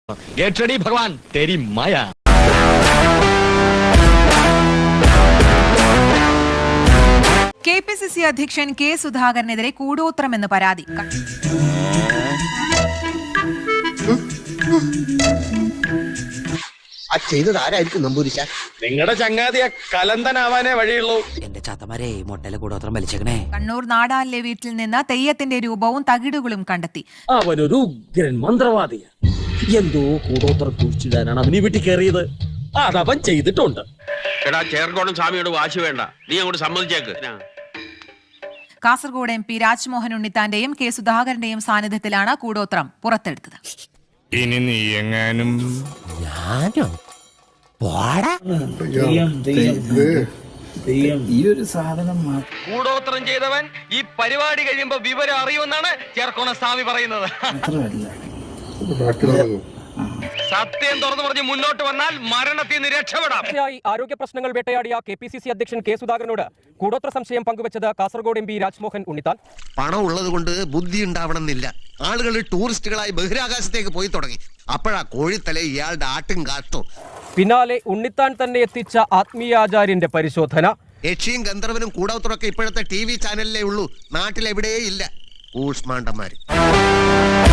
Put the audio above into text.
Get ready भगवान तेरी माया। KPCC അധ്യക്ഷൻ കെ സുധാകരനെതിരെ കൂടോത്രമെന്ന് പരാതി. നിങ്ങളുടെ ചങ്ങാതിയെ കലന്തനാവാനേ വഴിയുള്ളൂ. എന്റെ ചാത്തമാരെ മൊട്ടയിലെ കൂടോത്രം വലിച്ചേക്കണേ. കണ്ണൂർ നാടാലിലെ വീട്ടിൽ നിന്ന് തെയ്യത്തിന്റെ രൂപവും തകിടുകളും കണ്ടെത്തി. അവനൊരു ഉഗ്രൻ മന്ത്രവാദിയാണ്. എന്തോ കൂടോത്രം കുഴിച്ചിടാനാണ് അവനീ വീട്ടിൽ കയറിയത്. അതവൻ ചെയ്തിട്ടുണ്ട്. എടാ ചേർക്കോണം സ്വാമിയോട് വാശി വേണ്ട, നീ അങ്ങോട്ട് സമ്മതിച്ചേക്ക്. കാസർഗോഡ് MP രാജ്മോഹൻ ഉണ്ണിത്താന്റെയും കെ സുധാകരന്റെയും സാന്നിധ്യത്തിലാണ് കൂടോത്രം പുറത്തെടുത്തത്. ഇനി നീ എങ്ങാനും കൂടോത്രം ചെയ്തവൻ ഈ പരിപാടി കഴിയുമ്പോ വിവരം അറിയുമെന്നാണ് ചേർക്കോണ സ്വാമി പറയുന്നത്. സത്യം തുറന്നു പറഞ്ഞ് മുന്നോട്ട് വന്നാൽ മരണത്തിൽ നിന്ന് രക്ഷപ്പെടാം. ആരോഗ്യ പ്രശ്നങ്ങൾ വേട്ടയാടിയ KPCC അധ്യക്ഷൻ കെ സുധാകരനോട് കൂടോത്ര സംശയം പങ്കുവച്ചത് കാസർഗോഡ് MP രാജ്മോഹൻ ഉണ്ണിത്താൻ. പണം ഉള്ളത് കൊണ്ട് ബുദ്ധി ഉണ്ടാവണമെന്നില്ല. ആളുകൾ ടൂറിസ്റ്റുകളായി ബഹിരാകാശത്തേക്ക് പോയി തുടങ്ങി. അപ്പോഴാ കോഴിത്തല ഇയാളുടെ ആട്ടും കാട്ടും. പിന്നാലെ ഉണ്ണിത്താൻ തന്നെ എത്തിച്ച ആത്മീയാചാര്യന്റെ പരിശോധന. യക്ഷിയും ഗന്ധർവനും കൂടോത്രമൊക്കെ ഇപ്പോഴത്തെ TV ചാനലിലേ ഉള്ളൂ. നാട്ടിലെവിടെയേ ഇല്ല. ഊഷ്മാണ്ടന്മാര്.